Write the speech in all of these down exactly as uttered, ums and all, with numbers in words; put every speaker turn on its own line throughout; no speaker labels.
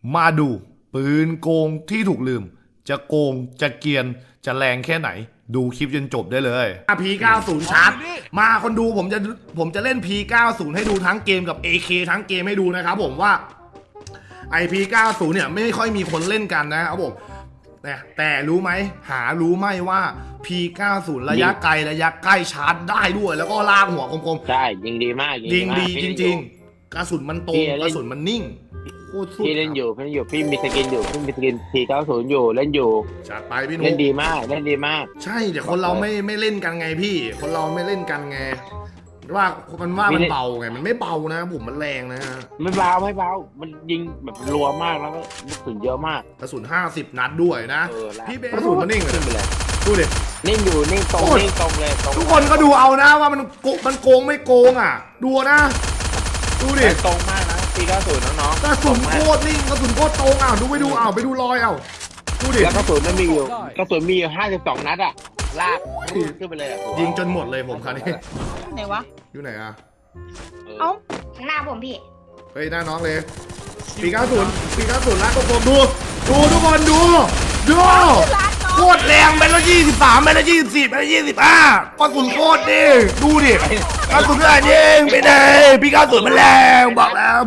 มาดูปืนโกงที่ถูกลืมจะโกงจะเกรียนจะแรงแค่ไหนดูคลิปจนจบได้เลย พี เก้าสิบ ชาร์จมาคนดูผมจะผมจะเล่น พี เก้าสิบ ให้ดูทั้งเกมกับ เอ เค ทั้งเกมให้ดูนะครับผมว่า ไอ พี เก้าสิบ เนี่ยไม่ค่อยมีคนเล่นกันนะครับผมแต่แต่รู้ไหมหารู้ไหมว่า พี เก้าสิบ ระยะไกลระยะใกล้ชาร์จได้ด้วยแล้วก็ลากหัวคม
ๆใช่ยิงดีมาก
ๆยิงดีจริงๆกระสุนมันตรงกระสุนมันนิ่ง
พี่เล่นอยู่พี่เล่นอยู่พี่มีสกินอยู่พี่มีสกิน พี เก้าสิบ อยู่เล่นอยู่
จัดไปพี่นุ๊ก
เล่นดีมากเล่นดีมาก
ใช่เดี๋ยวคนเราไม่ไม่เล่นกันไงพี่ คนเราไม่เล่นกันไงว่ามันว่ามันเบาไงมันไม่เบานะผมมันแรงนะ
ไม่เบาไม่เบามันยิงแบบรัวมากแล้วก็กระสุนเยอะมาก
กระสุนห้าสิบนัดด้วยนะพี่เบสกระสุนมันนิ่งเลยดูดิ
นิ่งอยู่นิ่งตรงนิ่งตรงเลย
ทุกคนก็ดูเอานะว่ามันโกมันโกงไม่โกงอ่ะดูนะดูดิ
ตรงมากนะปีเก้าสิบน้อง
ๆกระสุนโคตรนิ่งกระสุนโคตรตรงอ่ะดูไปดูเอาไปดูรอยเอาดูดิ
แล้วกระสุนมันมีอยู่กระสุนมีอยู่ห้าสิบสองนัดอ่ะลากขึ้นไปเลย
ยิงจนหมดเลยผมคันนี้
ไหนวะ
อยู่ไหนอ่ะ
เอ้าข้างหน้าผมพี่
เฮ้ยหน้าน้องเลยปีเก้าสิบปีเก้าสิบลากผมดูดูทุกคนดูดูโคตรแรงไปแล้วยี่สิบสามไปแล้วยี่สิบสี่ไปแล้วยี่สิบห้ากระสุนโคตรดิดูดิกระสุนอะไรยิงไปไหนปีเก้าสิบมันแรงบอกแล้ว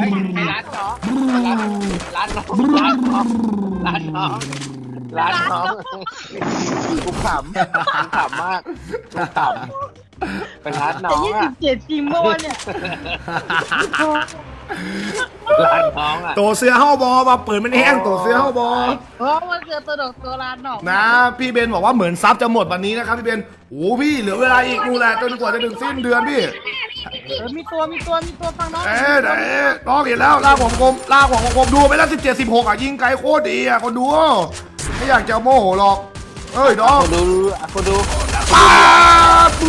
ร้านน้องร้านน้องร้านน้องร้านน้องร้านน้องกูขำกูขำมากกูขำเป็นร้านน้องอ่ะ
ยี่สิบเจ็ดจริงโมเนี่ย
ร้านน้องอ่ะ
ตัวเสื้อห้าบอมาเปิดมันแห้งตัวเสื้อห้าบอ
เพราะมันเสือตัวดอกตัวร้านหนอก
นะพี่เบนบอกว่าเหมือนซับจะหมดวันนี้นะครับพี่เบนโอ้พี่เหลือเวลาอีกดูแลจนกว่าจะถึงสิ้นเดือนพี่
มีตัวมีตัวมีตัวฟังน้อง
เอ๊ะเอ๊ะน้องเห็นแล้วลากหัวกลมลากหัวกลมดูไปแล้วสิบเจ็ดสิบหกอ่ะยิงไกลโคตรดีอ่ะคนดูไม่อยากจะโมโหหรอกเอ้ยน้อง
ดูคนดู
ป้าปู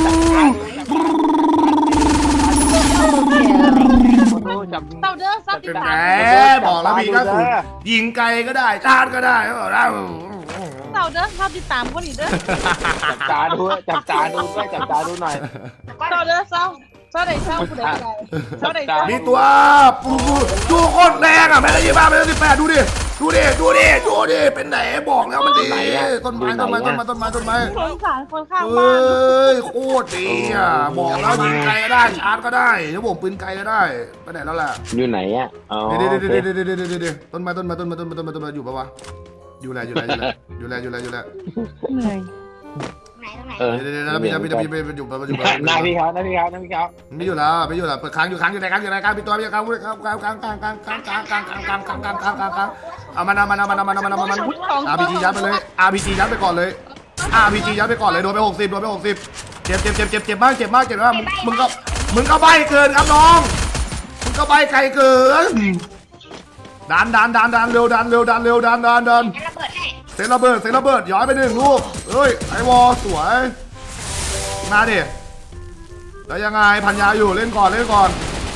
เต่าเด้อซับติดตา
บอกแล้วพี่ก็สุดยิงไกลก็ได้ชาร์จก็ได้บอกแล้ว
เต่าเด้อซับติดตามคนอีกเด้อ
จับตาดูจับตาดูด้วยจับตาดูหน่อย
เต่าเด้อเศร้าเศร้าไหนเศร้าผู้ใดเศร้าไหนเศร้า
นี่ตัวปูดูโคตรแรงอ่ะแม่ละยี่บ้าแม่ละสิบแปดดูดิดูดิดูดิดูดิเป็นไหนบอกแล้วมันดีต้นไม้ต้นไม้ต้นไม้ต้นไม้ต้นไม้
สงสารคนข้าง
บ้าน
เ
อ้ยโคตรดีอ่ะบอกแล้วยิงไกลก็ได้ชาร์จก็ได้ถ้าผมปืนไกลก็ได้ไปไหนแล้วล่ะ
อยู่ไหนอ่ะอ๋อ
เดี๋ยวเดี๋ยวเดี๋ยวเดี๋ยวเดี๋ยวเดี๋ยวต้นไม้ต้นไม้ต้นไม้ต้นไม้ต้นไม้ต้นไม้อยู่ปะวะอยู่แล้วอยู่แล้วอยู่แล้วอยู่แล้วอยู่แล้ว
เหนื่อย
เออเดี๋ยวเดี๋ยวพี่พี่พี่พี่อยู่อยู่
หน้าพี่เขาหน้าพี่เขาหน้าพี่เขา
ไม่อยู่แล้วไม่อยู่แล้วเปิดค้างอยู่ค้างอยู่ไหนค้างอยู่ไหนค้างพี่ตัวพี่ค้างค้างค้างค้างค้างค้างค้างค้างค้างค้างค้างค้างค้างค้างค้างเอามันเอามันเอามันเอามันเอามันเอามันอาร์พีจียัดไปเลยอาร์พีจียัดไปก่อนเลยอาร์พีจียัดไปก่อนเลยโดนไปหกสิบโดนไปหกสิบเจ็บเจ็บเจ็บเจ็บเจ็บมากเจ็บมากเจ็บมากมึงก็มึงก็ใบเกินครับน้องมึงก็ใบไกลเกินดันดันดันดันเร็วดันเร็วดันเร็วดันดันดันเซนระเบิดเซนระเบิดย้อยไปหนึ่งลูกเฮ้ยไอวอสวยมาดิแล้วยังไงพันยาอยู่เล่นก่อนเล่นก่อน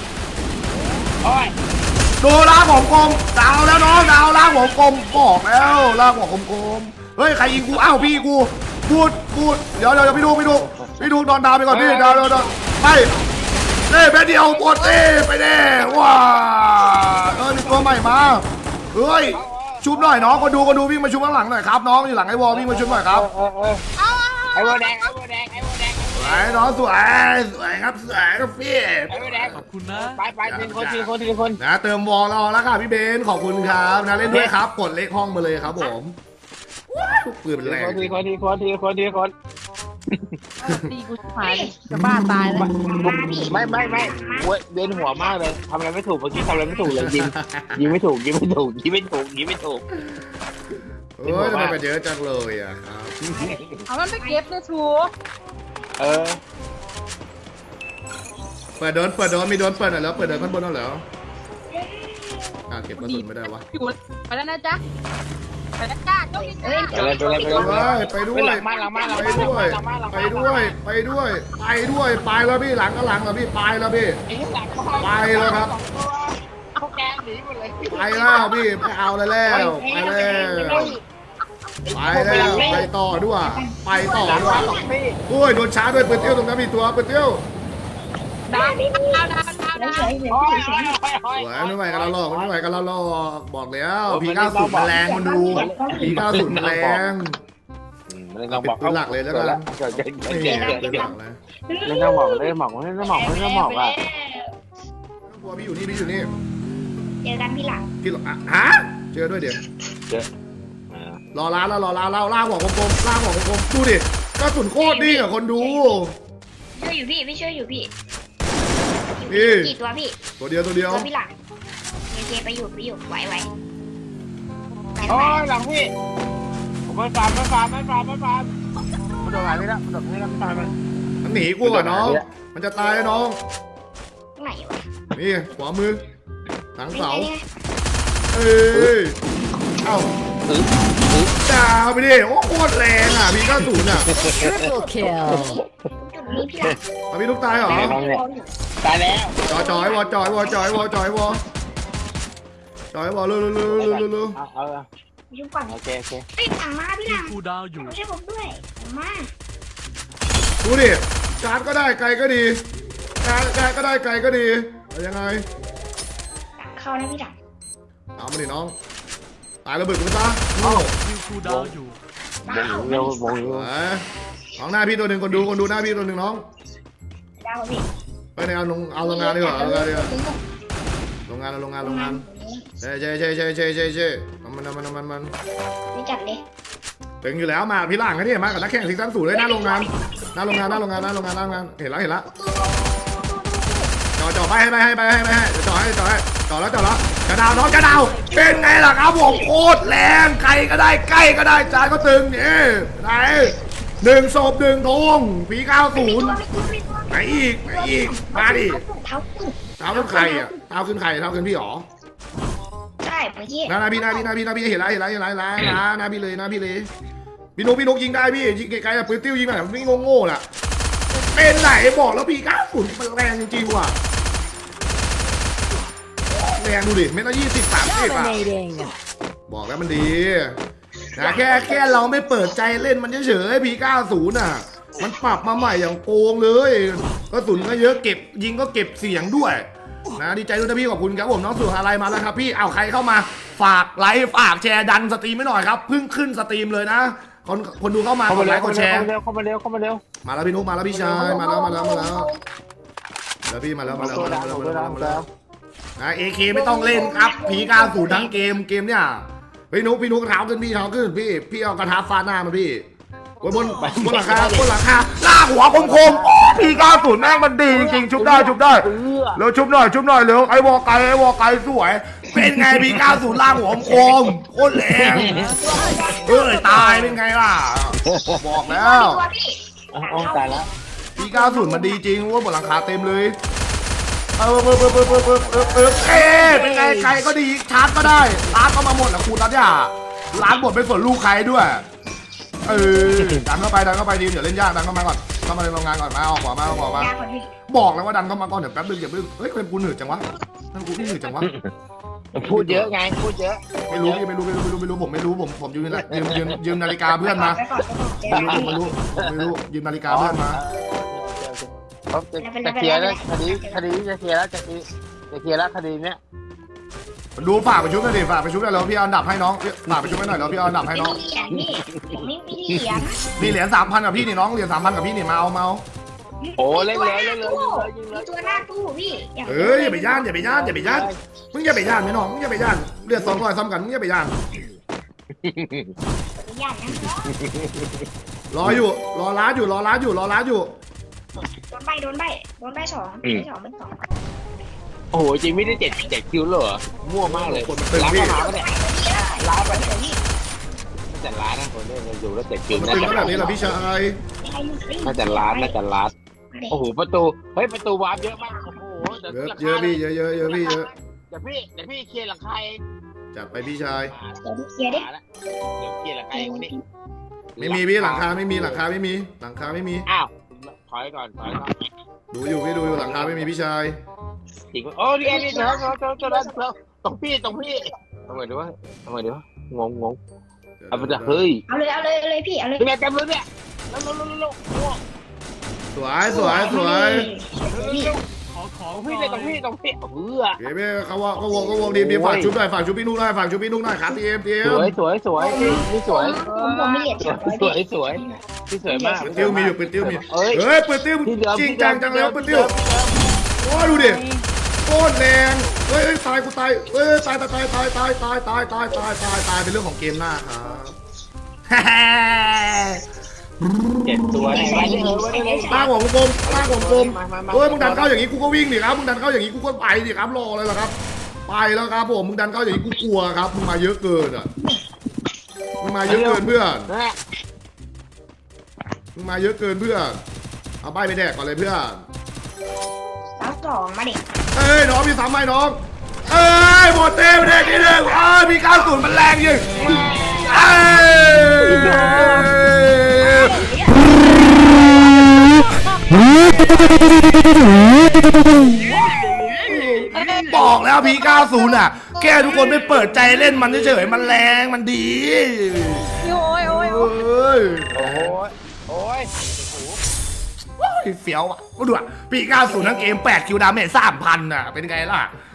ดูล่างของกลมดาวแล้วน้องดาวล่างของกลมบอกแล้วล่างของกลมเฮ้ยใครยิงกูอ้าวพี่กูพูดพูดเดี๋ยวเดี๋ยวพี่ดูพี่ดูพี่ดูนอนดาวไปก่อนพี่ดาวดาวดาวไปเน่แป๊บเดียวปวดเน่ไปเน่ว้าเออนี่ตัวใหม่มาเฮ้ยชุบหน่อยน้องคนดูคนดูวิ่งมาชุบข้างหลังหน่อยครับน้องอยู่หลังไอ้วอลวิ่งมาชุบหน่อยครับ
ไอ้วอลแดงไอ้วอลแดงไอ้วอลแดง
สวยน้องสวยสวยครับสวยครับพี่
ไอ้วอลแดงขอบคุณนะไปไปทีคนทีคนทีคน
นะเติมวอลรอแล้วค่ะพี่เบนขอบคุณครับนะเล่นด้วยครับกดเลขห้องมาเลยครับผมปืนเป็นแรง
ทีคนทีคนทีคนทีคน
ตีกูหายจะบ้าตายแล้ว
ไม่ไม่ไม่เวียนหัวมากเลยทำอะไรไม่ถูกเมื่อกี้ทำอะไรไม่ถูกเลยยิงยิงไม่ถูกยิงไม่ถูกยิงไม่ถูกยิงไม่ถูก
เฮ้ยทำไมมันเยอะจังเลยอ่ะครับ
เอามันไปเก็บเลยชู
เออ
เปิดโดนเปิดโดนมีโดนเปิดหน่อยแล้วเปิดโดนข้างบนแล้วเหรออ่าเก็บกระสุนไม่ได้วะ
ไปแล้วนะจ๊ะไปแล้วจ้าโชคดีจ้า
ไปเลยไปเลย
ไปด้วยไปด้วยไปด้วยไปด้วยไปด้วยไปด้วยไปแล้วพี่หลังก็หลังแล้วพี่ไปแล้วพี่ไปแล้วครับ
เอาแกงหนีหมดเลย
ไปแล้วพี่ไปเอาเลยแล้วไปแล้วไปแล้วไปต่อด้วยไปต่อด้วยโอ้ยโดนช้าด้วยเปิดเตี้ยวตรงนั้นมีตัวเปิดเตี้ยว
ดาวดาวดาวเฉยเฉย
โอ้ย
เฉ
โอ้
ย
ยโอ้ย
สวยไม่ไหวกันแล้วหรอกไม่ไหวกันแล้วหรอกบอกแล้วพีเก้าศูนย์แรงมันดูพีเก้าศูนย์แรง
ไม่ต้องบอก
เป็นหลักเลยแล้วกัน
เกิดเกิด
ไม่
เกิ
เห็
ด
น
เกิด
เป็น
เกิ
ห
ด
ลักเลย
เล่นต้องบอกเล่นหมอกเล่นต้องบอกเล่นต้องบอกอ่ะ
บัวพี่อยู่นี่พี่อยู่นี่
เจอกันพี่หลัง
พี่หรอฮะเจอด้วยเดี๋ยว
เจอ
รอร้านแล้วรอร้านแล้วล่างหัวกลมๆล่างหัวกลมๆดูดิกระสุนโคตรดีอ่ะคนดู
ช่วยอยู่พี่พี่ช่วยอยู่พี่
นี่
กี่ตัวพี่
ตัวเดียวตัวเดียว
ตัวพี่หลังเคเคไปอยู่ไปอยู่ไหวไหวไป
โอ้
ไป
ยหลังพี่ผมไม่ฟาร์มไม่ฟาร์มไม่ฟาร์มไม่ฟาร์มมันโดนอะไรนี่ละมันโดนนี่ละไม่ฟาร์มมัน
มันหนีกูอ่ะน้องมันจะตายน้อง
ไหนวะ
นี่ขวามือหลังเสา
นี่ไง
เอ้ยเอ้า
ตื้อตื้อ
ดาวไปดิโอ้โคตรแรงอ่ะพีเก้าศูนย์อ่ะ
Triple kill.
จุดนี้พี่หลัง
เอาพี่ลูกตายเหรอ
ตายแล้ว
จอยจอยวอจอยวอจอยวอจอยวอจอยวอเร็วเร็วเร็วเร็วเร็วเร็ว
เอาเอา
ยุ่งก่อน
โอเคโอเค
เฮ้ยหลังมาพี่หลัง
คูดาวอยู่
ไม่ใช่ผมด้วยหลังมา
ดูดิการ์ดก็ได้ไกลก็ดีการ์ดการ์ดก็ได้ไกลก็ดีเอายังไง
เข้านะพี่หลัง
เอามาดิน้องตายระเบิดกูซะ
คิวคูดาวอยู่
วงเร็ววงเร็ว
เอ้ยของหน้าพี่ตัวหนึ่งคนดูคนดูหน้าพี่ตัวหนึ่งน้อง
ดาวพี่
ไปในเอาลงเอาโรงงานดีกว่าเอาโรงงานดีกว่าโรงงานเอาโรงงานโรงงานเช่เช่เช่เช่เช่เช่เช่มันมันมันมันมัน
ไม่จัดเลย
ถึงอยู่แล้วมาพี่ล่างกันนี่มากับนักแข่งซีซั่นสูงเลยหน้าโรงงานหน้าโรงงานหน้าโรงงานหน้าโรงงานหน้าโรงงานเห็นแล้วเห็นแล้วจ่อจ่อไปให้ไปให้ไปให้ไปให้จ่อให้จ่อให้จ่อแล้วจ่อแล้วกระดาวน้องกระดาวเป็นไงล่ะครับผมโคตรแรงใครก็ได้ใกล้ก็ได้จานก็ตึงนี่ไหนหนึ่งศพหนึ่งทงผีเก้าศูนย์ไหนอีกไหนอีกมาดิ
เท้าขึ้น
เท้าขึ้นใครอ่ะเท้าขึ้นใครเท้าขึ้นพี่หรอ
ใช่เมื่อกี้
หน้าหน้าพี่หน้าพี่หน้าพี่หน้าพี่เห็นแล้วเห็นแล้วเห็นแล้วเห็นแล้วหน้าหน้าพี่เลยหน้าพี่เลยพี่นุ๊กพี่นุ๊กยิงได้พี่ยิงไกลๆอะปืนติ้วยิงแบบไม่งงๆน่ะเป็นไหนบอกแล้วพี่เก้าศูนย์มันแรงจริงๆว่ะแรงดูดิเมตรยี่สิบสามสิบอ่ะ
Dominating.
บอกแล้วมันดีนะแค่แค่เราไม่เปิดใจเล่นมันเฉยๆพีเก้าศูนย์อ่ะมันปรับมาใหม่อย่างโกงเลยกระสุนก็เยอะเก็บยิงก็เก็บเสียงด้วยนะดีใจด้วยนะพี่ขอบคุณครับผมน้องสุภาลัยมาแล้วครับพี่เอาใครเข้ามาฝากไลค์ฝากแชร์ดันสตรีมไม่หน่อยครับเพิ่งขึ้นสตรีมเลยนะคนคนดูเข้ามาก
เข้า
ด
มา
ไล
เร็ว
ค์กดแชร์
เข้ามาเร็วเข้ามาเร็วเข้ามาเร็ว
มาแล้วพี่นุ๊กมาแล้วพี่ชายมาแล้วมาแล้วมาแล้วแล้วพี่มาแล้วมาแล้วมาแล้วมาแล้วมาแล้วมาแล้วนะเอเคไม่ต้องเล่นครับพีเก้าศูนย์ทั้งเกมเกมเนี่ยพี่นุ๊กพี่นุ๊กเท้าขึ้นพี่เท้าขึ้นพี่พี่เอากระทะฟาดหน้ามาพี่บนบนบนหลังคาบนหลังคาลากหัวคมๆโอ้พีเก้าศูนย์แม่งมันดีจริงๆชุบได้ชุบได้เร็วชุบหน่อยชุบหน่อยเร็วไอ้วอไกไอ้วอไกสวยเป็นไงพีเก้าศูนย์ลากหัวคมโคตรแรงเอ้ยตายเป็นไงล่ะบอกแล้ว
ตัวพี่
อ๋อตายแล้ว
พีเก้าศูนย์มันดีจริงว่าบนหลังคาเต็มเลยเออเออเออเออเออเออเออเออเอ๊ะเป็นไงใครก็ดีชาร์จก็ได้ร้านก็มาหมดแหละคุณรัตยาร้านหมดเป็นส่วนลูกใครด้วยเออดันเข้าไปดันเข้าไปดีเดี๋ยวเล่นยากดันเข้ามาก่อนเข้ามาในโรงงานก่อนมาเอาขวามาเอาขวามา
ยาก่อนพี่
บอกแล้วว่าดันเข้ามาก่อนเดี๋ยวแป๊บนึงอย่าเพิ่งเฮ้ยเป็นกูหนืดจังวะนั่นกูนี่หนืดจังวะ
พูดเยอะไงพูดเยอะ
ไม่รู้พี่ไม่รู้ไม่รู้ไม่รู้ไม่รู้ผมไม่รู้ผมผมยืมยืมยืมยืมนาฬิกาเพื่อนมา
ไปก่อนไปก่อนเจอ
ไม่รู้ผมไม่รู้ผมไม่รู้ยืมนาฬิกาเพื่อนมา
เขาจะจะเคลียร์แล้วคดีคดีจะเคลียร์แล้วจะเคลียร์จะเคลียร์แล้วคดีเนี้ย
ดูฝากไปชุบหน่อยดิฝากไปชุบหน่อยแล้วพี่เอาอันดับให้น้องฝากไปชุบให้หน่อยแล้วพี่เอาอันดับให้
ไม่
น้อง
มีเหรียญพี่ผมไม่มีเหรียญ
นี่เหรียญสามพันกับพี่นี่น้องเหรียญสามพันกับพี่นี่มาเอามาเอา
โอ้เล่นเลยเล่นเลยยิงเลยยิงเลย
ตัวหน้าตู้พี่
เอ้ยอย่าไปย่านอย่าไปย่านอย่าไปย่านมึงอย่าไปย่านไม่น้องมึงอย่าไปย่านเลือดสองร้อยซ้ำกันมึงอย่าไปย่าน
ย่านนะ
รออยู่รอร้านอยู่รอร้านอยู่รอร้านอยู่
โดนใบโดนใบโดนใบสองใบสองเป็นสอง
โอ้โหจริงไม่ได้เจ็ดเจ็ดคิวเลยเหรอมั่วมากเลยร้านมาหาปะเนี่ยร้านปะเนี่ยน่าจะร้านนะคนเล่นอยู่แล้วเจ็ดคิว
มัน
น่า
ตึง
จะ
ขนาดนี้เหรอพี่ชาย
น่าจะร้านน่าจะร้านโอ้โหประตูเฮ้ยประตูวาร์ปเยอะมากโอ้โหเดี๋ยว
เยอะ
รา
เย
คา
อะพี่เยอะเยอะเยอะพี่เยอะ
เดี๋ยวพี่เดี๋ยวพี่เคลียร์หลังคาเอง
จัดไปพี่ชาย
เดี๋ยวเคลียร์ดิ
มาแล้วเดี๋ยวเคลียร์หลังคาเองวันนี้
ไม่มีพี่หลังคาไม่มีหลังคาไม่มีหลังคาไม่มี
อ้าวถอยก่อนถอยก่อน
ดูอยู่พี่ดูอยู่หลังคาไม่มีพี่ชาย
จริงโอ้นี่นี่เดี๋ยวเดี๋ยวเดี๋ยวเดี๋ยวเดี๋ยวตรงพี่ตรงพี่ทำไมดีวะทำไมดีวะงงงงเอาไปจะเฮ้ย
เอาเลยเอาเลยเอาเลยพี่เอาเลย
เป็นไงเต็มเลยเนี่ยแล้วแล้วแล้วแล้ว
สวยสวยสวย
ขอของ
ตรง
ห
พี่
น่
เลยตรง
อย
พี่ตรงพี่เพื่อ
เดี๋ยวพี่เขาว่าเขาวงเขาวงดีมดีฝากชุบหน่อยฝากชุบพี่นุ๊กหน่อยฝากชุบพี่นุ๊กหน่อยครับทีเอ็มทีเอ็
ส
ม
วยสวยสวยพี่พี่สวย
ผมผมไม่เหรียญ
สวยสวยสวยพี่สวยมาก
ปืนติ้วมีอยู่ปืนติ้วมี
เอ้ย
เฮ้ยปืนติ้ว
พี่เดิม
จริงจังจังแล้วปืนติ้วโอ้ยดูดิโคตรแรงเฮ้ยเฮ้ยตายกูตายเฮ้ยตายตายตายตายตายตายตายตายตายตายตายเป็นเรื่องของเกมหน้าครับ
เจ็ดตัวนี่ไว้ได้เลยไว้ได้เลย
ตั้งหัวกลมตั้งหัวกลม
มามามา
เฮ้ยมึงดันเข้าอย่างนี้กูก็วิ่งดิครับมึงดันเข้าอย่างนี้กูก็ไปดิครับรอเลยเหรอครับไปแล้วครับผมมึงดันเข้าอย่างนี้กูกลัวครับมึงมาเยอะเกินอ่ะมึงมาเยอะเกินเพื่อน
นะ
มึงมาเยอะเกินเพื่อนเอาใบไปแดกก่อนเลยเพื่อน
สามสองมาดิ
เอ้ยน้องมีสามไม้น้องเอ้ยหมดเต็มเลยทีหนึ่งอ้าวมีเก้าศูนย์มันแรงยิงเอ้ยบอกแล้วพีเก้าศูนย์อ่ะแกทุกคนไม่เปิดใจเล่นมันเฉยๆมันแรงมันดี
โอ้ยโอ้ย
เอ้ย
โอ้ยโอ้ย
ว้ายเฟี้ยวอ่ะก็ดูอ่ะปีเก้าศูนย์ทั้งเกมแปดคิวดาเมจสามพันอ่ะเป็นไงล่ะ